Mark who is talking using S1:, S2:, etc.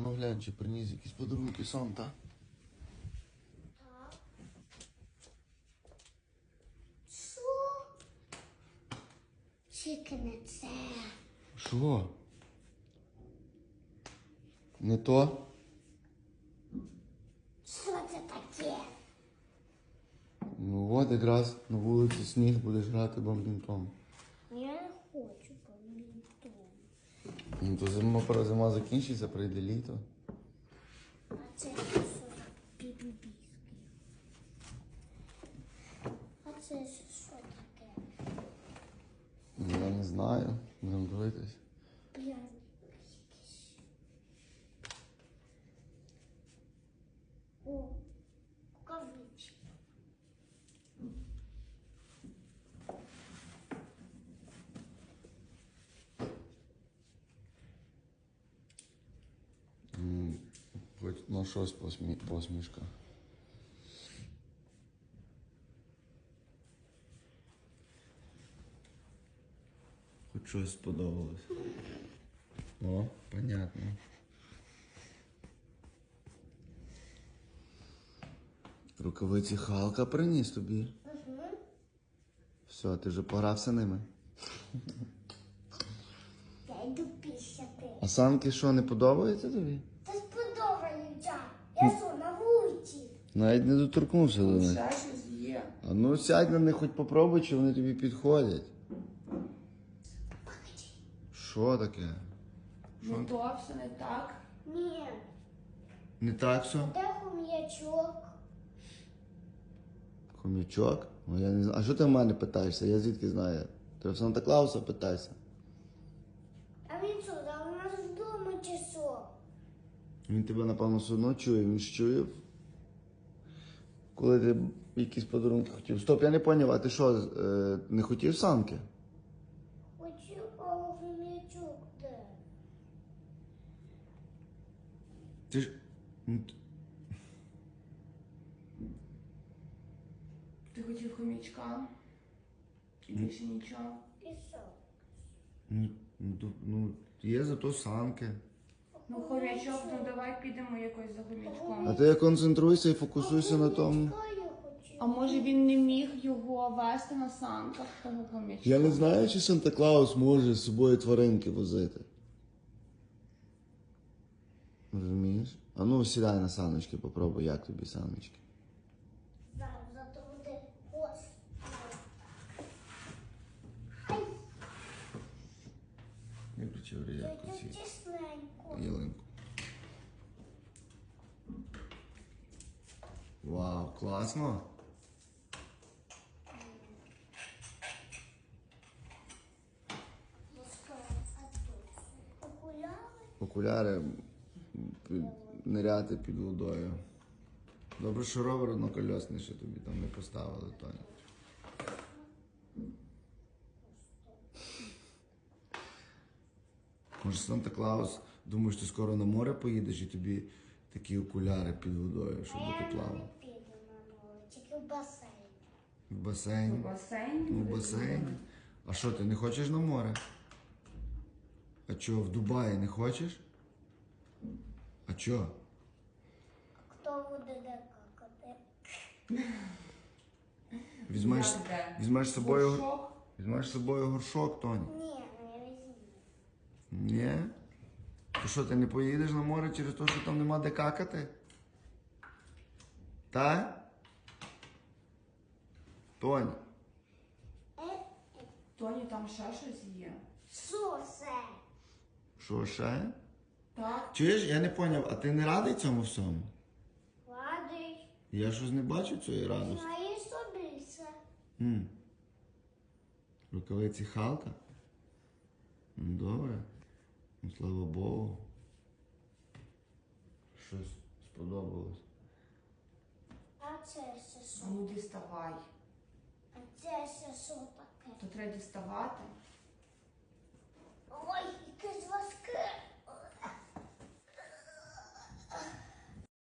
S1: ну глянь, чи приніс якісь подарунки Санта.
S2: Так. Що? Тільки не це.
S1: Що? Не то?
S2: Що це таке?
S1: Ну от якраз на вулиці сніг, будеш грати бадмінтон.
S2: Я не хочу бадмінтон.
S1: Ну то зима закінчиться, прийде літо.
S2: А це що за бібібіський? А це що таке?
S1: Я не знаю, будемо дивитись.
S2: Пряник якийсь. О, рукавички.
S1: Хоч на щось посмішка. Хоч щось сподобалось. О, понятно. Рукавиці Халка приніс тобі.
S2: Угу.
S1: Все, ти вже погрався ними.
S2: Я йду пісяти.
S1: А санки що, не подобаються тобі?
S2: Та сподобаються. Я що, на вулиці?
S1: Навіть не доторкнувся до них.
S3: Ще щось є.
S1: А ну сядь на них, хоч попробуй, чи вони тобі підходять. Що таке?
S3: Не то, все не так.
S2: Ні.
S1: Не так все?
S2: Де хом'ячок?
S1: Хомячок? Ну я не знаю. А що ти в мене питаєшся? Я звідки знаю? Ти в Санта-Клауса питайся.
S2: А він що, там у нас вдома чи що?
S1: Він тебе, напевно, все одно чує. Він ж чує, коли ти якісь подарунки хотів. Стоп, я не поняв, а ти що, не хотів санки?
S2: Хочу, а хом'ячок де?
S1: Ти ж... Ну,
S3: Ти хотів хомячка. І більше нічого.
S2: І що?
S1: Ну, є зато санки.
S3: Ну, хомячок, ну давай підемо якось за хомячком.
S1: А ти концентруйся і фокусуйся на тому.
S2: Хом'ячка я хочу.
S3: А може він не міг його вести на санках, того хомячка?
S1: Я не знаю, чи Санта-Клаус може з собою тваринки возити. Розумієш? А ну сідай на саночки, попробуй, як тобі саночки.
S2: Зараз зато буде ось. Ай,
S1: Я включив реєрку
S2: це
S1: ці
S2: тісненько.
S1: ялинку. Вау, класно!
S2: Окуляри?
S1: Окуляри ниряти під водою. Добре, що ровер однокольосний ще тобі там не поставили, Тоня. Може, Санта-Клаус, думаєш, ти скоро на море поїдеш і тобі такі окуляри під водою, щоб
S2: А
S1: ти
S2: я
S1: плавав?
S2: не піду на море, тільки в басейн.
S1: В басейн.
S3: В басейн?
S1: Ну, в басейн. А що, ти не хочеш на море? А чого, в Дубаї не хочеш? А чого?
S2: Хто буде де какати?
S1: Візьмеш,
S3: Як де?
S1: візьмеш з собою,
S3: Горшок?
S1: візьмеш з собою горшок, Тоні?
S2: Ні, не візьму.
S1: Ні? То що, ти не поїдеш на море через те, що там нема де какати? Та? Тоні,
S3: Тоні, там ще щось є.
S2: Що це?
S1: що ще?
S3: Так?
S1: Чуєш, я не поняв, а ти не радий цьому всьому?
S2: Ладий.
S1: Я щось не бачу цієї радості.
S2: Знає собі це.
S1: Рукавиці Халка? Ну, добре. Ну, слава Богу. Щось сподобалось.
S2: А це ще
S3: А
S2: що?
S3: ну діставай.
S2: А це ще що таке?
S3: То треба діставати.
S2: Ой, якесь важке.